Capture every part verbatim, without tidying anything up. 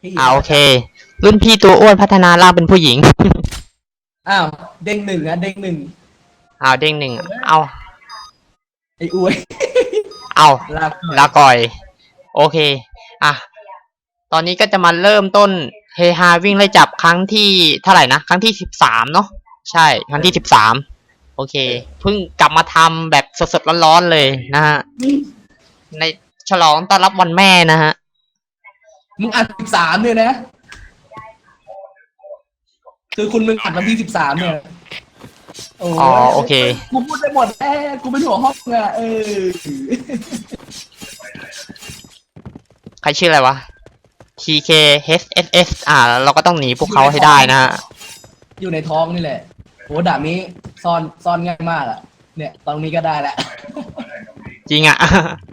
อ่าโอเครุ่นพี่ตัวอ้วนพัฒนาร่างเป็นผู้หญิงอ้าวเด้งหนึ่งอะเด้งหนึ่งเอาเด้งหนึ่งเอาไอ้อวยเอาลากหน่อยลาก่อยโอเคอ่ะตอนนี้ก็จะมาเริ่มต้นเฮฮาวิ่งไล่จับครั้งที่เท่าไหร่นะครั้งที่สิบสามเนาะใช่ครั้งที่สิบสามโอเคเพิ่งกลับมาทำแบบสดๆร้อนๆเลยนะฮะในฉลองต้อนรับวันแม่นะฮะมึงอัดสิบสามเนี่ยนะคือคุณมึงอัดวันที่สิบสามเนี่ยโอ้อ๋อโอเคกูพูดได้หมดแอ้กูเป็นหัวห้องอะเออใครชื่ออะไรวะ ที เค เอช เอส เอส อ่าเราก็ต้องหนีพวกเขาให้ได้นะฮะอยู่ในท้องนี่แหละโหดาบนี้ซ่อนซ่อนง่ายมากอะเนี่ยตรงนี้ก็ได้แหละจริงอ่ะ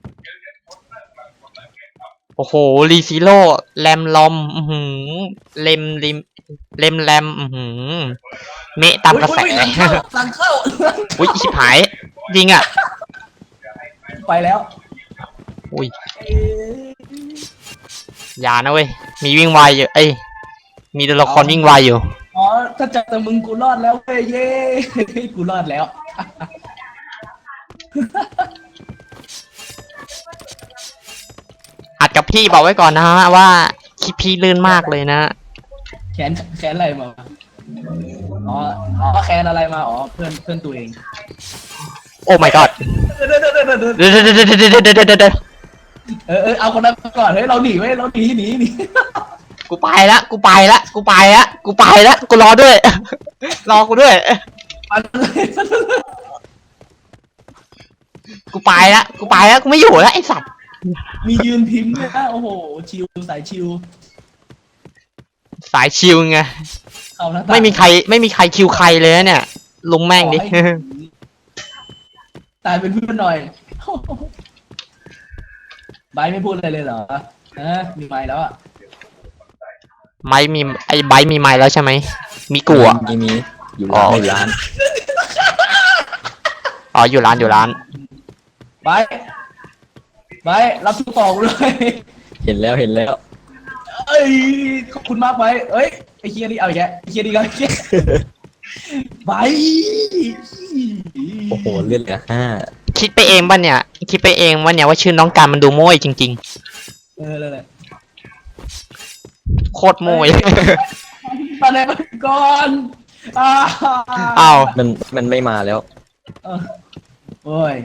โอ้โหรีซิโร่แรมลอม อือหือเลมลิมเลมแรม อือหือเมะตามกระแสอุ๊ยอุ๊ยหลังเข้าหลังเข้าอุ้ยชิบหายจริงอ่ะไปแล้วอุ้ยอย่านะเว้ย มีวิ่งไวอยู่ เอ้ย มีตัวละครวิ่งไวอยู่อ๋อถ้าจับแต่มึงกูรอดแล้วเว้ยเย้ กูรอดแล้วอัดกับพี่บอกไว้ก่อนนะฮะว่าคลิปพี่ลื่นมากเลยนะแขนแขนอะไรมาอ๋ออ๋อแขนอะไรมาอ๋อเพื่อนเพื่อนตัวเองโอ้ my god เดี๋ยวเดี๋ยวเดี๋ยวเดี๋ยวเดี๋ยวเดี๋ยวเดี๋ยวเออเออเอาคนนั้นก่อนเฮ้ยเราหนีเว้ยเราหนีหนีหนีกูไปละกูไปละกูไปละกูไปละกูรอด้วย รอกูด้วยปันเลยกูไปละกูไปละกูไม่อยู่แล้วไอสัตว์มียืนพิมพ์ด้วยนะโอ้โหชิวสายชิวสายชิลไงเข้าหน้าต่างไม่มีใครไม่มีใครคิวใครเลยนะเนี่ยลุงแม่งดิขอให้ตายเป็นเพื่อนหน่อย ไบร์ทไม่พูดอะไรเลยเหรอเออมีไมค์แล้วอ่ะไม้มีไอ้ไบร์ทมีไม้แล้วใช่ไหมมีกูอ่ะมีมีอยู่ร้านอ๋ออยู่ร้านอ๋ออยู่ร้านอยู่ร้านไบร์ทไบร์ทรับทุกต่อกูเลยเห็นแล้วเห็นแล้วเอ้ยขอบคุณมากไบร์ทเอ้ยไอ้เคียนี่เอาอีกแกไอ้เคียนี่ก็ไอ้เคียไบร์ทโอ้โหเลือดเหลือห้าคิดไปเองป่ะเนี่ยคิดไปเองว่าเนี่ยว่าชื่อน้องการมันดูโม้ยจริงเออเลยเลยๆ โคตรโม้ยมาเลยก่อนอ้าอ้าวมันมันไม่มาแล้วเออโอ้ย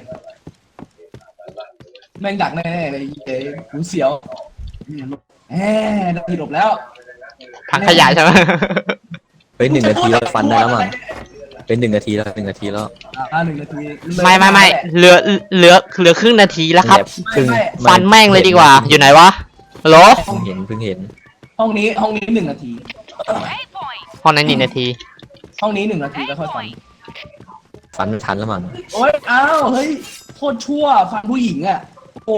แม่งดักแน่ๆเลยเอ้ยหูเสียวแหมได้หลบแล้วถังขยะใช่ไหมเฮ้ยหนึ่งนาทีแล้วฟันได้แล้วมั้งเป็นหนึ่งนาทีแล้วหนึ่งนาทีแล้วอ่าหนึ่งนาทีไม่ไม่ไม่เหลือเหลือเหลือครึ่งนาทีแล้วครับแบบครึ่งฟันแม่งเลยดีกว่า อยู่ไหนวะฮัลโหลเพิ่งเห็นเพิ่งเห็นห้องนี้ห้องนี้หนึ่งนาทีห้องนั้นหนึ่งนาทีห้องนี้หนึ่งนาทีแล้วค่อยฟันฟันไม่ทันแล้วมั้งโอ้ยอ้าวเฮ้ยโคตรชั่วฟันผู้หญิงอ่ะโอ้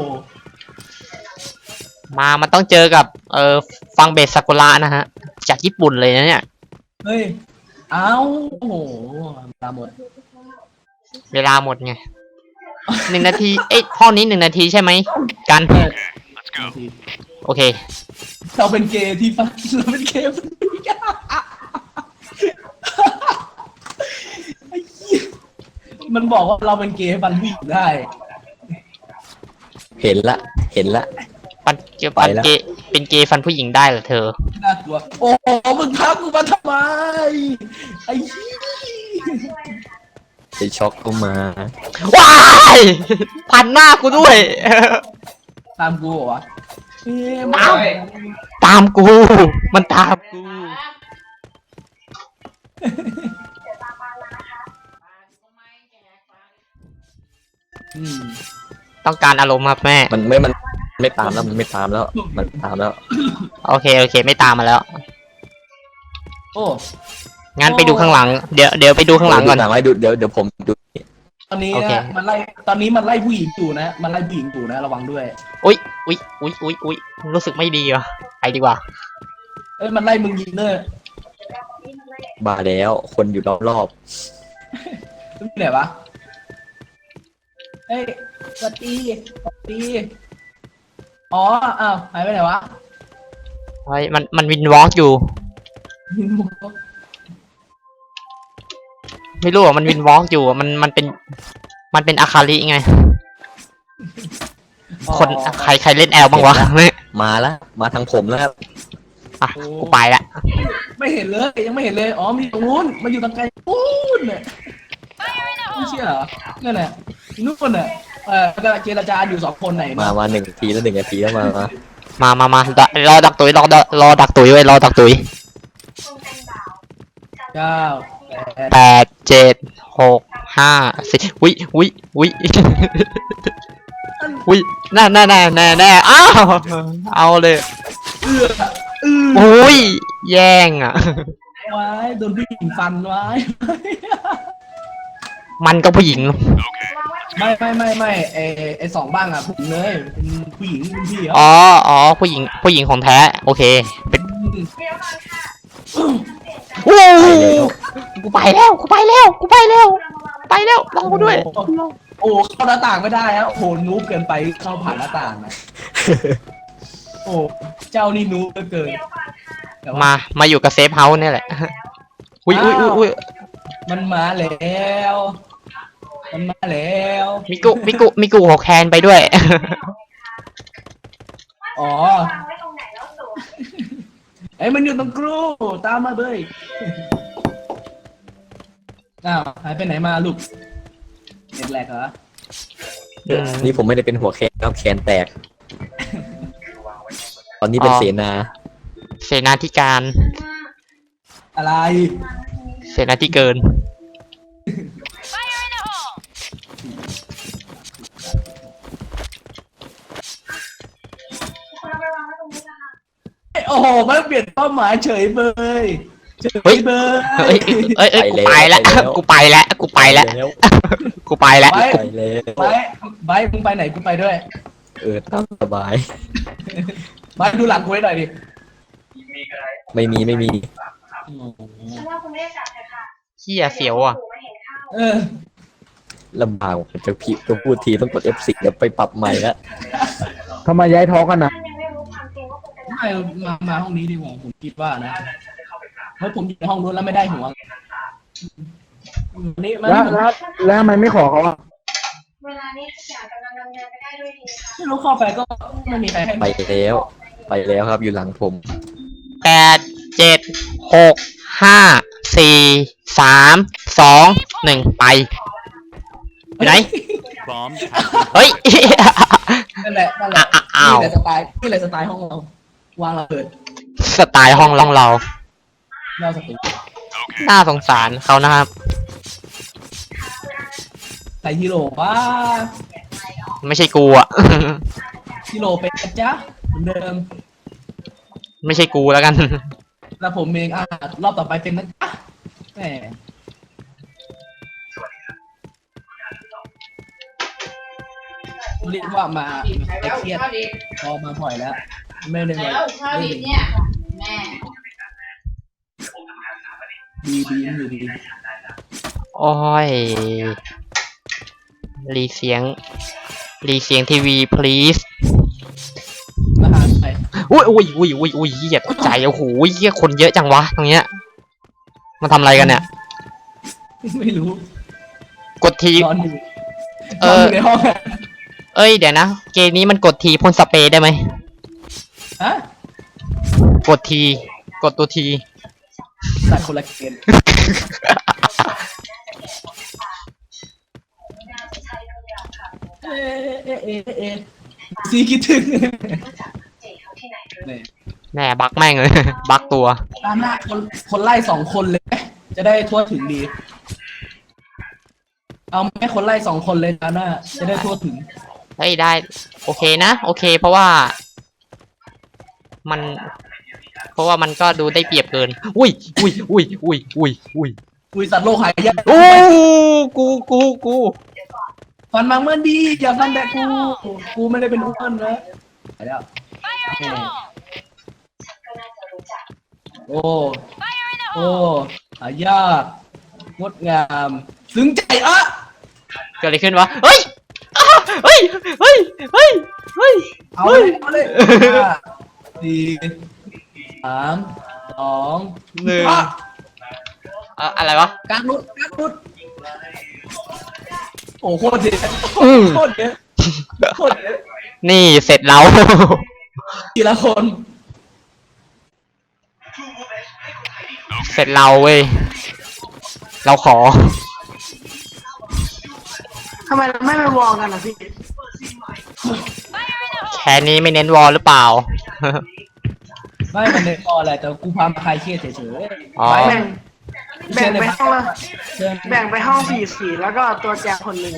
มามันต้องเจอกับเอ่อฟังเบสซากุระนะฮะจากญี่ปุ่นเลยนะเนี่ยเฮ้ยอ้าวโอ้โหตาหมดเวลาหมดไงหนึ่งนาทีเอ้ยห้องนี้หนึ่งนาทีใช่ไหมกันเออนาทีโอเคเราเป็นเกย์ที่ฟันเราเป็นเกย์ฟันผู้หญิงไอ้เหี้ยมันบอกว่าเราเป็นเกย์ฟันผู้หญิงได้เห็นละเห็นละปันเกย์ไปปันแล้วเกย์เป็นเกย์ฟันผู้หญิงได้เหรอเธอน่ากลัวโอ้โหมึงทักกูมาทำไมไอ้เหี้ยไปช็อกก็มาว้ายพันหน้ากูด้วยตามกูเหรอวะเอ๊ะตามไม่ตามกู มันตามกูอืมต้องการอารมณ์ครับแม่มันไม่มันไม่ตามแล้วมันไม่ตามแล้ว มันตามแล้วโอเคโอเค ไม่ตามมาแล้วโอ้งั้นไปดูข้างหลัง เดี๋ยวเดี๋ยวไปดูข้างหลังก่อนดูหลังไว้ดูเดี๋ยวเดี๋ยวผมดูตอนนี้โอเคนะมันไล่ตอนนี้มันไล่ผู้หญิงอยู่นะ มันไล่ผู้หญิงอยู่นะระวังด้วยอุ๊ยอุ๊ยอุ๊ยอุ๊ยอุ๊ยรู้สึกไม่ดีว่ะไปดีกว่าเอ้ยมันไล่มึงยิงเนอร์บาแล้วคนอยู่รอบมึงอยู่ไหนวะเฮ้ยสวัสดีสวัสดีอ๋ออ้าวหายไปไหนวะเฮ้ยมันมันวินวอล์กอยู่ ไม่รู้อ่ะมันวินวอล์กอยู่อะมันมันเป็น มันเป็นอาคาริไง คนใครใครเล่นแอลบ้างวะไม่มาแล้วมาทางผมแล้วครับอ่ะกูไปละไม่เห็นเลยยังไม่เห็นเลยอ๋อมีตรงนู้นมันอยู่ตรงไกลนู้นเนี่ยไม่เชื่อเหรอนั่นแหละนู่นน่ะเออกำลังเจรจาอยู่สองคนไหนมามาหนึ่งนาทีแล้วหนึ่งนาทีแล้วมามามามามาดรอดักตุยรอดักรอดักตุยไว้รอดักตุยเก้าแปดแปดเจ็ดหกห้าสี่วิวิวิวิน่าน่าน่าแน่แน่อ้าวเอาเลยเอื้อเอื้อโอ้ยแย่งอ่ะไว้โดนผู้หญิงฟันไว้มันก็ผู้หญิงไม่ไม่ไม่ไม่ไอไอสองบ้างอ่ะผมเลยเป็นผู้หญิงเป็นพี่เหรออ๋ออ๋อผู้หญิงผู้หญิงของแท้โอเคเป็นโอ้กูไปแล้วกูไปแล้วกูไปแล้วไปแล้วรอกูด้วยโอ้เข้าหน้าต่างไม่ได้แล้วโอ้โหนูบเกินไปเข้าผ่านหน้าต่างนะโอ้เจ้านี่นูบเหลือเกินแต่ว่ามามาอยู่กับเซฟเฮาส์เนี่ยแหละอุ้ยอุ้ยอุ้ยอุ้ยมันมาแล้ว มันมาแล้วมิกุมิกุมิกุหกแคนไปด้วยอ๋อไอ้ยมันอยู่ตรงกรูตามมาเลยอ้าวหายไปไหนมาลูกเน็ตแหลกเหรออืมนี่ผมไม่ได้เป็นหัวแคนครับแคนแตก ตอนนี้เป็นอ๋อเสนาเสนาธิการอะไรเสนาธิเกินโอ้โหมันเปลี่ยนเป้าหมายเฉยเบยเฉเฮ้ยยเบยเอ้ยเอ้ยเอ้ยกูไปแล้วกูไปแล้วกูไปแล้วแล้วกูไปแล้วไปไปแล้วไปไปมึงไปไหนกูไปด้วยเออตามสบายไปดูหลังกูให้หน่อยดิไม่มีไม่มีฉันว่าคุณไม่ได้จับเลยค่ะเฮียเสียวอ่ะไม่เห็นข้าวเออลำบากผมจะพิจะพูดทีต้องกด เอฟ สิบ แล้วไปปรับใหม่แล้วทำไมย้ายท้องกันนะท่านยังไม่รู้ความจริงว่าคุณเป็นไม่มามาห้องนี้ดีกว่าผมคิดว่านะเพราะผมอยู่ในห้องนู้นแล้วไม่ได้หัววันนี้มาแล้วนี่ผมแล้วแล้วทำไมไม่ขอเขาอ่ะเวลานี้ทุกอย่างกำลังดำเนินไปได้ด้วยดีค่ะไม่รู้เข้าไปก็ไม่มีใครให้ไปแล้ว ไปแล้วครับอยู่หลังผมแปดเจ็ดหกห้าสี่สามสองหนึ่งไปไปไหน Bomb เฮ้ยนั่นแหละนั่นแหละอ่ะอ้าวนี่แหละสไตล์นี่แหละสไตล์ห้องเราวางระเบิดสไตล์ห้องล่องเราเราสติน่าสงสารเขานะครับใส่ฮีโร่ว่าไม่ใช่กูอ่ะฮีโร่เป็นนะจ๊ะเหมือนเดิมไม่ใช่กูแล้วกันแล้วผมเองอ่ะรอบต่อไปเป็นนะจ๊ะแหมเรียกว่ามาไม่เครียดพอมาบ่อยแล้ว ไม่ได้มาเล่นแม่ดีดีมันอยู่ดีโอ้ย รีเสียง รีเสียงทีวี please อาหารไปอุ้ยอุ้ยอุ้ยอุ้ยอุ้ยเหี้ยตกใจโอ้โหเหี้ยคนเยอะจังวะตรงเนี้ยมาทำอะไรกันเนี่ยไม่รู้กดทีนอนอยู่เอนอนออยู่ในห้องอะเอ้ยเดี๋ยวนะ เกมนี้มันกดทีพ่นสเปรย์ได้ไหมฮะกดที กดตัวทีสัตว์คนละเกมเอ๊ะเอ๊ะเอ๊ะเอ๊ะซีคิดถึงเจ๋เขาที่ไหนหรือเนี่ยแน่บักแม่งเลย บักตัวตามหน้าคนคนไล่สองคนเลยไหมจะได้ทั่วถึงดี เอาไหมคนไล่สองคนเลยตามหน้า จะได้ทั่วถึงเฮ้ยได้ โอเคนะ โอเค เพราะว่า มัน เพราะว่ามันก็ดูได้เปรียบเกิน อุ้ยอุ้ยอุ้ยอุ้ยอุ้ยอุ้ยคุยสัตว์โลกหายยากโอ้กูกูกูฟันมังเมื่อดีอย่าฟันแต่กู กูไม่ได้เป็นอ้วนนะไปแล้วแหม่ก็น่าจะรู้จักโอ้ โอ้หายากงดงาม ซึ้งใจอ่ะเกิดอะไรขึ้นวะ เฮ้ยอ้าเฮ้ย เฮ้ย เฮ้ย เฮ้ยเอาเลยเอาเลยอ่ะดีสามสองหนึ่งอ่ะเอ่ออะไรวะกลางรุดกลางรุดโอ้โหโคตรเยอะอืมโคตรเยอะโคตรเยอะนี่เสร็จแล้วทีละคนเสร็จเราเว้ย เราขอทำไมเราไม่ไปวอลกันอ่ะพี่แค่นี้ไม่เน้นวอลหรือเปล่าไม่มันเน้นพอแหละแต่กูพามาคลายเครียดเฉยๆอ๋อไปแบ่งแบ่งไปห้องละเชิญแบ่งไปห้องสี่สี่แล้วก็ตัวแจกคนหนึ่ง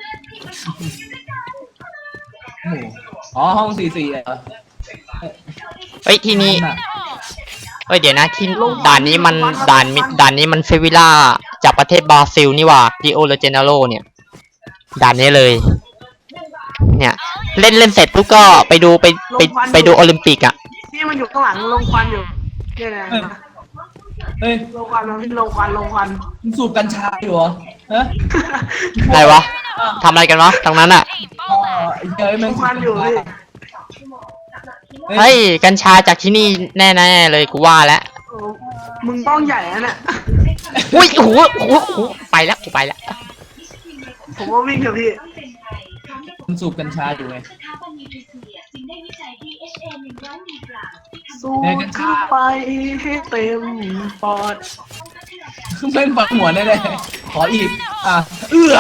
โอ้โหอ๋อห้องสี่สี่เหรอเฮ้ยที่นี่น่ะเฮ้ยเดี๋ยวนะที่ด่านนี้มันด่านมิด่านนี้มันเซวิล่าจากประเทศบราซิลนี่หว่าดิโอเลเจเนโรเนี่ย ด่านนี้เลย เนี่ย เล่นเล่นเสร็จปุ๊บก็ไปดูไปไปไปดูโอลิมปิกอ่ะพี่มันอยู่ข้างหลังลงควันอยู่เนี่ยนะเฮ้ยลงควันมันพี่ลงควันลงควันมึงสูบกัญชาอยู่เหรอฮะอะไรวะทำอะไรกันวะตรงนั้นอ่ะอ๋อไอ้เฮ้ยลแม่งงควันอยู่พี่เฮ้ย กัญชาจากที่นี่แน่ๆเลยกูว่าแล้วโอ้มึงต้องใหญ่นะเนี่ยอุ้ยโอ้โหโอ้โหโอ้โหไปแล้วกูไปแล้วผมว่าวิ่งเถอะพี่มึงสูบกัญชาอยู่ไงสู้ขึ้นไปให้เต็มปอดแม่งปักหัวได้เลยขออีก อ่ะ เอื้อ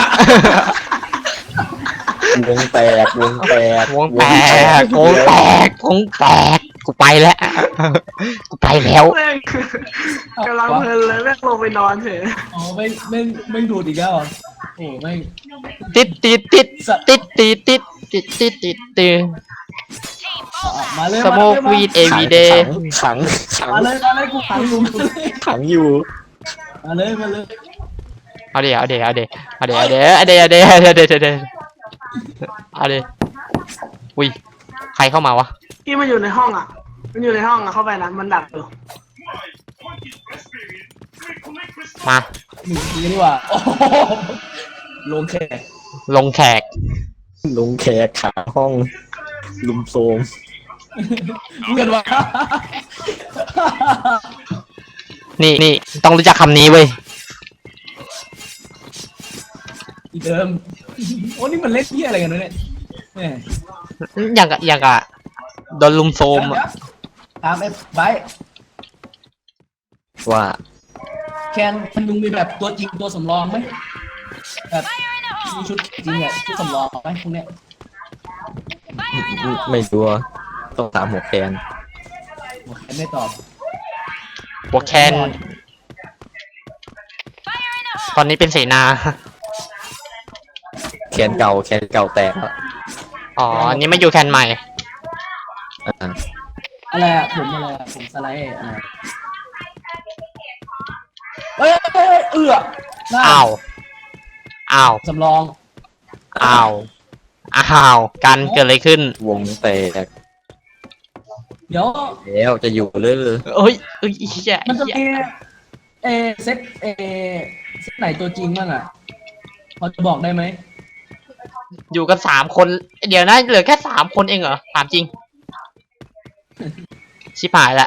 วงแตกวงแตกวงแตกวงแตกวงแตกกูไปแล้ว กูไปแล้วแม่งกำลังเพลินเลยแม่งลงไปนอนเถอะอ๋อไม่ไม่ไม่ดูดอีกแล้วเหรอโอ้ไม่งติดติดติดติดติดติดติดติดติดติดอ่ะมาเลยสโมกวีดเอวีเดย์ขังขังมาเลยมาเลยกูขังอยู่มาเลยขังอยู่มาเลยมาเลยเอาเดี๋ยวเอาเดี๋ยวเอาเดี๋ยวเอาเดี๋ยวเอาเดี๋ยวเอาเดี๋ยวเอาเดี๋ยวเอาเดี๋ยวเอาเดี๋ยวเอาเดี๋ยวเอาเดี๋ยวอุ้ยใครเข้ามาวะพี่มันอยู่ในห้องอ่ะ มันอยู่ในห้องอ่ะเข้าไปนะมันดักอยู่มาหนึ่งทีดีกว่าโอ้โหลงแขกลงแขกลงแขกขาห้องลุมโทรมเพื่อนว่านี่นี่ต้องรู้จักคำนี้เว้ยอีเดิมโอ้นี่มันเล่นเที่ยอะไรกันวะเนี่ยแหม่อย่างกับอย่างกับโดนลุมโซมอะถามไอ้ไบร์ทว่าแคนมันมึงมีแบบตัวจริงตัวสำรองไหมแบบมีชุดจริงอ่ะชุดสำรองไหมพวกเนี้ยไม่ไม่รู้อะต้องถามหัวแคนโอเคไม่ตอบหัวแคนตอนนี้เป็นเสนาแคนเก่าแคนเก่าแตกแล้วอ๋ออันนี้ไม่อยู่แคนใหม่อ่าอะไรอะผมอะไรอะผมสไลด์อะไรเอ้ยเอ้ยเอ้ยเอือหน้าอ้าว อ้าวสำรองอ้าว อ้าว กันเกิดอะไรขึ้นวงแตกเดี๋ยวแล้วจะอยู่เลยเอ้ยเอ้ยเหี้ยมันจะเหี้ยมีเอเซตเอเซตไหนตัวจริงบ้างอ่ะพอจะบอกได้ไหมอยู่กันสามคน เดี๋ยวนะ เหลือแค่สามคนเองเหรอ ถามจริง ชิบหายละ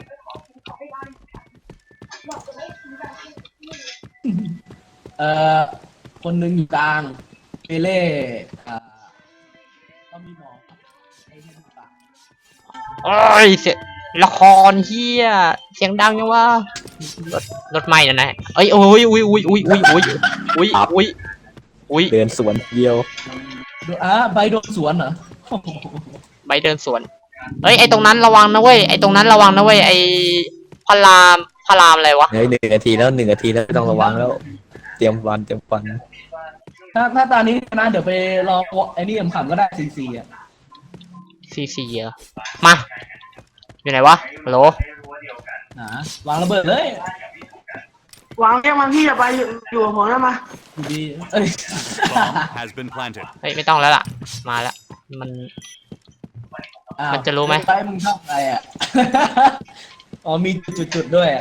เอ่อคนหนึ่งอยู่กลางเปเล่อ่าก็มีหมอไอ้ที่อยู่กลางโอ้ยเสียละครเฮียเสียงดังยังวะรถรถไหม้นะนะเอ้ยโอ้ยอุ้ยอุ้ยอุ้ยอุ้ยอุ้ยอุ้ยอุ้ยอุ้ยเดินสวนเดียวดูอ่ะใบโดนสวนเหรอใบเดินสวนเอ้ยไอตรงนั้นระวังนะเว้ยไอตรงนั้นระวังนะเว้ยไอพารามพารามอะไรวะเฮ้ยหนึ่งนาทีแล้วหนึ่งนาทีแล้วต้องระวังแล้ว เตรียมวันเตรียมฟันถ้าถ้าตอนนี้นะเดี๋ยวไปรอไอ้นี่ขำๆก็ได้ซีซีอ่ะซีซีเหรอมาอยู่ไหนวะฮัลโหลนะวางระเบิดเลยวางเรียกมันพี่อย่าไปอยู่อยู่กับผมนะมาอยู่ดีเอ้ย Bomb has been planted. เฮ้ยไม่ต้องแล้วล่ะมาแล้วมันอ้าวมันจะรู้ไหมไปมึงชอบอะไรอ่ะ อ๋อมีจุดๆด้วยอะ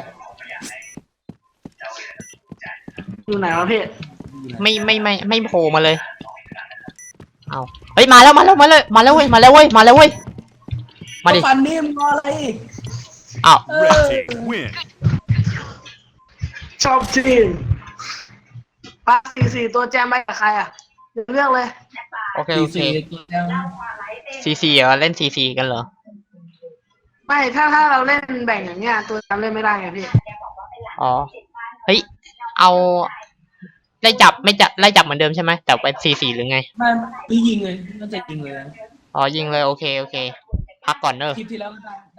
อยู่ไหนวะพี่ไม่ไม่ไม่ไม่โผล่มาเลยเอาเฮ้ยมาแล้วมาแล้วมาเลยมาแล้วเว้ยมาแล้วเว้ยมาแล้วเว้ยมาดิก็ฟันนี่มึงรออะไรอีกอ้าว Red team win. ชอบทีมปาสี่สี่ตัวแจมไปกับใครอ่ะเดี๋ยวเลือกเลยโอเคซีโอเคซีแจมซีซีเหรอเล่นซีซีกันเหรอไม่ถ้าถ้าเราเล่นแบ่งอย่างเงี้ยตัวแจมเล่นไม่ได้ไงพี่อ๋อ เฮ้ย เอาไล่จับไม่จับไล่จับเหมือนเดิมใช่ไหมแต่เป็นซีซีหรือไงไม่ไม่ยิงเลยน่าจะยิงเลยนะอ๋อยิงเลยโอเคโอเค พักก่อนเนอะคลิปที่แล้วก็ได้